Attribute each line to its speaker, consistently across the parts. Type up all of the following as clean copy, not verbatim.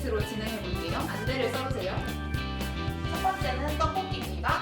Speaker 1: 세트로 진행해 볼게요. 안대를 써주세요. 첫 번째는 떡볶이입니다.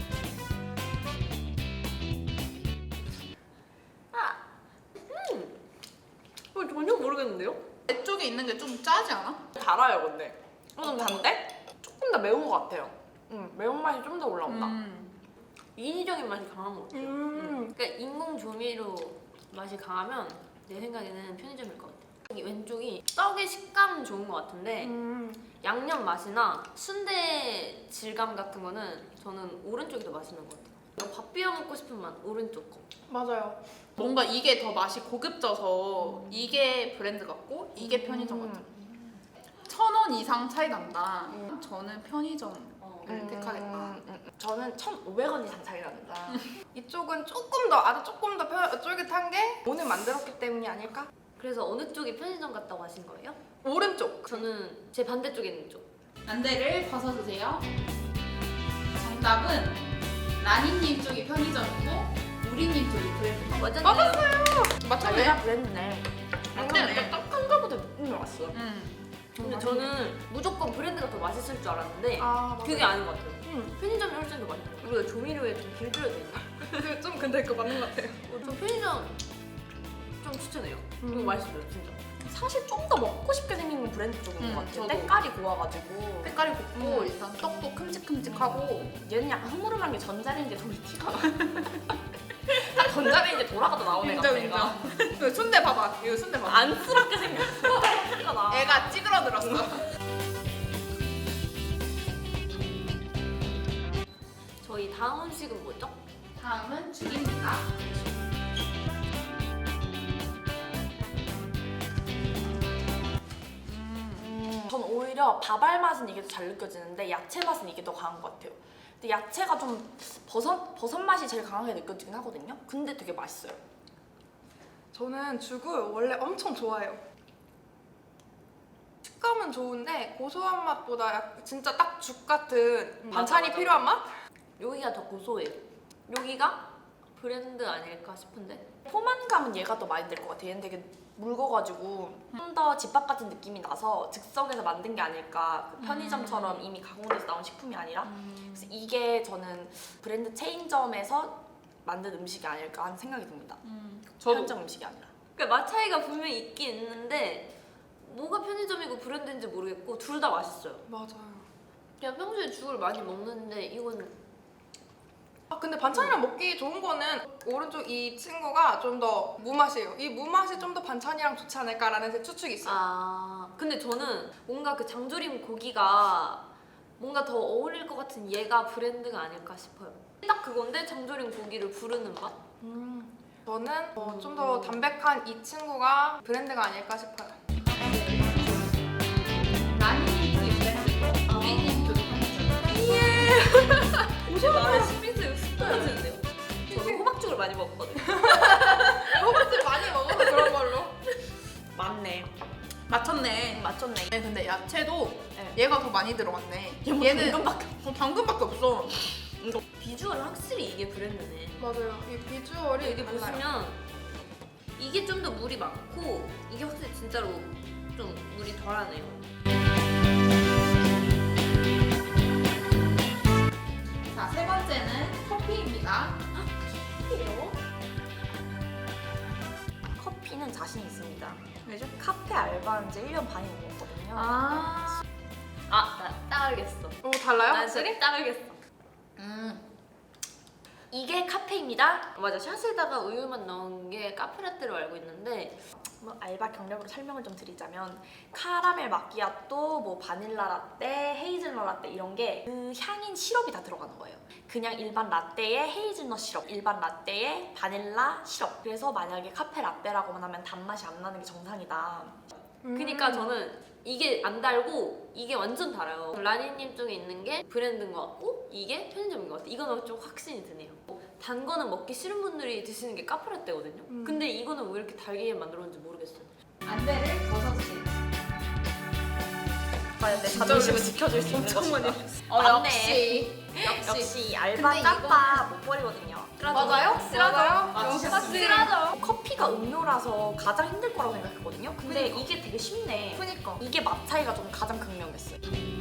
Speaker 2: 전혀 모르겠는데요?
Speaker 1: 내 쪽에 있는 게 좀 짜지 않아?
Speaker 2: 달아요 근데. 좀 단데? 조금 더 매운 것 같아요. 매운맛이 좀 더 올라온다. 인위적인 맛이 강한 것 같아요. 그러니까 인공 조미료 맛이 강하면 내 생각에는 편의점일 것 같아요. 여기 왼쪽이 떡의 식감은 좋은 것 같은데 양념 맛이나 순대 질감 같은 거는 저는 오른쪽이 더 맛있는 것 같아요. 밥 비벼 먹고 싶은 맛 오른쪽 거.
Speaker 1: 맞아요. 뭔가 이게 더 맛이 고급져서 이게 브랜드 같고 이게 편의점 같아요. 1,000원 이상 차이 난다. 저는 편의점을 택하겠다.
Speaker 2: 저는 1,500원 이상 차이 납니다.
Speaker 3: 이쪽은 아주 조금 더 쫄깃한 게 오늘 만들었기 때문이 아닐까?
Speaker 2: 그래서 어느 쪽이 편의점 같다고 하신 거예요?
Speaker 3: 오른쪽.
Speaker 2: 저는 제 반대쪽에 있는 쪽.
Speaker 1: 안대를 벗어주세요. 정답은 라니님 쪽이 편의점이고 우리님 쪽이 브랜드.
Speaker 2: 맞았어요.
Speaker 3: 맞췄네.
Speaker 2: 내가 브랜드네. 근데
Speaker 1: 맞췄네.
Speaker 2: 약간 딱한 거보다 느낌이 왔어.
Speaker 1: 음.
Speaker 2: 근데 저는 무조건 브랜드가 더 맛있을 줄 알았는데
Speaker 3: 맞아요.
Speaker 2: 그게 아닌 것 같아요. 편의점이 훨씬 더 맛있는 것 같아요. 우리가 조미료에 좀 길들여져 있나?
Speaker 3: 좀 근데 그거 맞는 것 같아요.
Speaker 2: 저 편의점 좀 추천해요. 이거 맛있어요, 진짜.
Speaker 4: 사실 좀 더 먹고 싶게 생긴 건 브랜드 쪽인 것 같아요.
Speaker 1: 저도.
Speaker 4: 때깔이 고와가지고.
Speaker 3: 색깔이 곱고 일단 떡도 큼직큼직하고
Speaker 4: 얘는 약간 흐물흐물한 게 전자레인지에 돌 티가 나. 딱 전자레인지에 돌아가도 나오네.
Speaker 3: 인정 인정. 그 순대 봐봐. 이거 순대 봐봐.
Speaker 4: 안쓰럽게 생겼어. 티가 나.
Speaker 3: 애가 찌그러들었어.
Speaker 2: 저희 다음 음식은 뭐죠?
Speaker 1: 다음은 죽입니다.
Speaker 4: 전 오히려 밥알 맛은 이게 더 잘 느껴지는데 야채 맛은 이게 더 강한 것 같아요. 근데 야채가 좀 버섯 맛이 제일 강하게 느껴지긴 하거든요. 근데 되게 맛있어요.
Speaker 3: 저는 죽을 원래 엄청 좋아해요. 식감은 좋은데 고소한 맛보다 진짜 딱 죽 같은 반찬이
Speaker 2: 맞아.
Speaker 3: 필요한 맛?
Speaker 2: 여기가 더 고소해요. 여기가 브랜드 아닐까 싶은데.
Speaker 4: 포만감은 얘가 더 많이 들 것 같아요. 얘는 되게 묽어가지고 좀 더 집밥 같은 느낌이 나서 즉석에서 만든 게 아닐까. 그 편의점처럼 이미 가공돼서 나온 식품이 아니라. 그래서 이게 저는 브랜드 체인점에서 만든 음식이 아닐까 하는 생각이 듭니다. 편의점 음식이 아니라.
Speaker 2: 그러니까 맛 차이가 분명히 있긴 있는데 뭐가 편의점이고 브랜드인지 모르겠고 둘 다 맛있어요.
Speaker 3: 맞아요.
Speaker 2: 그냥 평소에 죽을 많이 먹는데 이건
Speaker 3: 근데 반찬이랑 먹기 좋은 거는 오른쪽 이 친구가 좀 더 무맛이에요. 이 무맛이 좀 더 반찬이랑 좋지 않을까라는 제 추측이 있어요.
Speaker 2: 근데 저는 뭔가 그 장조림 고기가 뭔가 더 어울릴 것 같은 얘가 브랜드가 아닐까 싶어요. 딱 그건데 장조림 고기를 부르는 맛?
Speaker 3: 저는 좀 더 담백한 이 친구가 브랜드가 아닐까 싶어요.
Speaker 1: 라니님 쪽이 브랜드고 우리님 쪽이 편의점.
Speaker 2: 나는 신빙성이 쑥 떨어지는데요. 저는 호박죽을 많이 먹었거든요.
Speaker 3: 호박을 많이 먹어서 그런 걸로.
Speaker 4: 맞네.
Speaker 1: 맞췄네.
Speaker 4: 맞췄네.
Speaker 3: 네, 근데 야채도
Speaker 4: 네.
Speaker 3: 얘가 더 많이 들어갔네.
Speaker 4: 얘는
Speaker 3: 당근밖에 없어.
Speaker 2: 비주얼은 확실히 이게 브랜드네.
Speaker 3: 맞아요. 이 비주얼이
Speaker 2: 여기 보시면 이게 좀 더 물이 많고 이게 확실히 진짜로 좀 물이 덜하네요.
Speaker 1: 자, 세 번째는 커피입니다.
Speaker 4: 커피는 자신 있습니다. 왜죠? 카페 알바한 지 1년 반이 넘었거든요.
Speaker 2: 나 딱 알겠어.
Speaker 3: 달라요?
Speaker 2: 나
Speaker 3: 확실히?
Speaker 2: 진짜 딱 알겠어.
Speaker 4: 이게 카페입니다.
Speaker 2: 맞아, 샷에다가 우유만 넣은 게 카페라떼로 알고 있는데
Speaker 4: 뭐 알바 경력으로 설명을 좀 드리자면 카라멜 마키아또, 뭐 바닐라 라떼, 헤이즐넛 라떼 이런 게 그 향인 시럽이 다 들어가는 거예요. 그냥 일반 라떼에 헤이즐넛 시럽, 일반 라떼에 바닐라 시럽. 그래서 만약에 카페 라떼라고만 하면 단맛이 안 나는 게 정상이다.
Speaker 2: 그니까 저는 이게 안 달고 이게 완전 달아요. 라니님 쪽에 있는 게 브랜드인 것 같고 이게 편의점인 것 같아. 이거는 좀 확신이 드네요. 단 거는 먹기 싫은 분들이 드시는 게 카페라떼거든요. 근데 이거는 왜 이렇게 달게 만들었는지 모르겠어요.
Speaker 1: 안대를 벗어주세요.
Speaker 4: 과연 내 자존심을 지켜줄 수 있는 것인가?
Speaker 3: 역시.
Speaker 4: 역시 알바
Speaker 3: 근데
Speaker 4: 짬바 못 버리거든요.
Speaker 3: 맞아요?
Speaker 1: 쓰라져요?
Speaker 3: 역시.
Speaker 1: 쓰라져.
Speaker 4: 커피가 차이가 음료라서 가장 힘들 거라고 생각했거든요. 근데
Speaker 1: 그니까.
Speaker 4: 이게 되게 쉽네.
Speaker 1: 그니까.
Speaker 4: 이게 맛 차이가 좀 가장 극명했어요.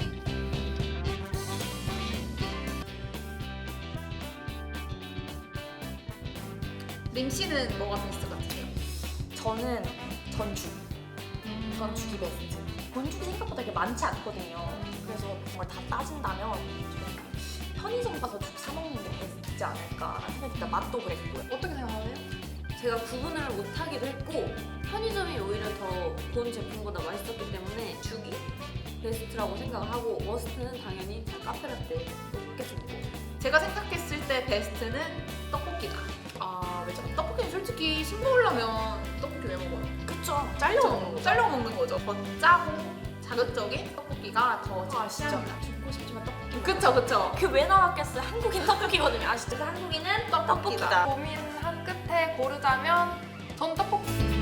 Speaker 1: 림 씨는 뭐가 베스트 같으세요?
Speaker 4: 저는 전죽. 전죽이 베스트. 건죽이 생각보다 되게 많지 않거든요. 그래서 정말 다 따진다면 저는 편의점 가서 죽 사 먹는 게 베스트지 않을까라는 생각이 든다. 맛도 그랬고요.
Speaker 3: 어떻게 생각하세요?
Speaker 2: 제가 구분을 못하기도 했고 편의점이 오히려 더 본 제품보다 맛있었기 때문에 죽이 베스트라고 생각을 하고 워스트는 당연히 카페라떼 이렇게 주고
Speaker 1: 제가 생각했을 때 베스트는 떡볶이다.
Speaker 4: 아, 왜죠?
Speaker 1: 떡볶이는 솔직히 신 먹으려면 떡볶이 왜 먹어요?
Speaker 4: 그쵸. 잘려 먹는 거.
Speaker 1: 잘려 먹는 거죠. 더 짜고 자극적인 떡볶이가 더
Speaker 4: 아, 진짜.
Speaker 1: 취향이다.
Speaker 4: 죽고 싶지만 떡볶이.
Speaker 1: 그쵸 그쵸.
Speaker 4: 그 왜 나왔겠어요? 한국인 떡볶이거든요. 아시죠? 그 한국인은 떡볶이다.
Speaker 3: 고민한 끝에 고르자면 전 떡볶이.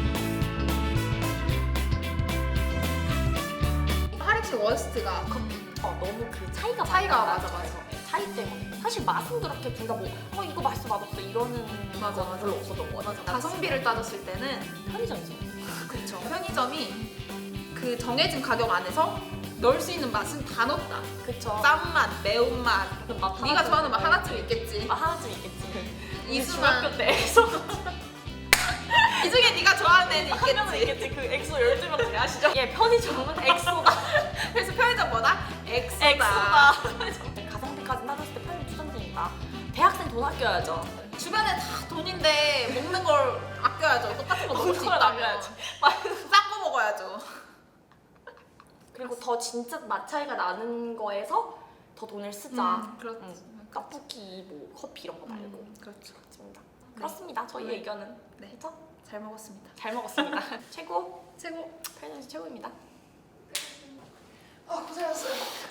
Speaker 1: 하릭 씨 워스트가 커피.
Speaker 4: 너무 그 차이가
Speaker 1: 차이가
Speaker 4: 많이
Speaker 1: 맞아,
Speaker 4: 나요. 차이 때문에. 사실 맛은 그렇게 둘 다 뭐, 이거 맛있어, 맛없어 이러는
Speaker 1: 맞아,
Speaker 4: 건
Speaker 1: 맞아.
Speaker 4: 별로 없었던 것 같아요.
Speaker 1: 가성비를 따졌을 때는
Speaker 4: 편의점이죠.
Speaker 1: 그쵸. 편의점이 그 정해진 가격 안에서 넣을 수 있는 맛은 다 넣었다.
Speaker 4: 그쵸.
Speaker 1: 짠맛, 매운맛.
Speaker 4: 그 맛
Speaker 1: 네가 좋아하는 맛 하나쯤 있겠지.
Speaker 4: 하나쯤 있겠지.
Speaker 1: 이수만.
Speaker 4: 중학교 때에서
Speaker 1: 이 중에 네가 좋아하는 애는
Speaker 4: 한 명은
Speaker 1: 있겠지.
Speaker 4: 있겠지. 그 엑소 12명 아시죠? 예, 편의점은 엑소다.
Speaker 1: 그래서 편의점보다 엑소다.
Speaker 4: 엑소다. 가성비까지 따졌을 때 편의점 추천드립니다. 대학생 돈 아껴야죠.
Speaker 1: 주변에 다 돈인데 먹는 걸 아껴야죠. 똑같은 거 먹을 수
Speaker 4: 먹는 걸
Speaker 1: 있다면.
Speaker 4: 아껴야지.
Speaker 1: 싼 거 먹어야죠.
Speaker 4: 그리고 더 진짜 맛 차이가 나는 거에서 더 돈을 쓰자.
Speaker 1: 그렇죠.
Speaker 4: 떡볶이, 뭐 커피 이런 거 말고.
Speaker 1: 그렇죠.
Speaker 4: 그렇습니다. 그렇습니다. 저희
Speaker 1: 네.
Speaker 4: 의견은.
Speaker 1: 네.
Speaker 4: 그렇죠?
Speaker 1: 잘 먹었습니다.
Speaker 4: 잘 먹었습니다. 최고.
Speaker 1: 최고.
Speaker 4: 편의점에서 최고입니다.
Speaker 3: 아 고생하셨어요.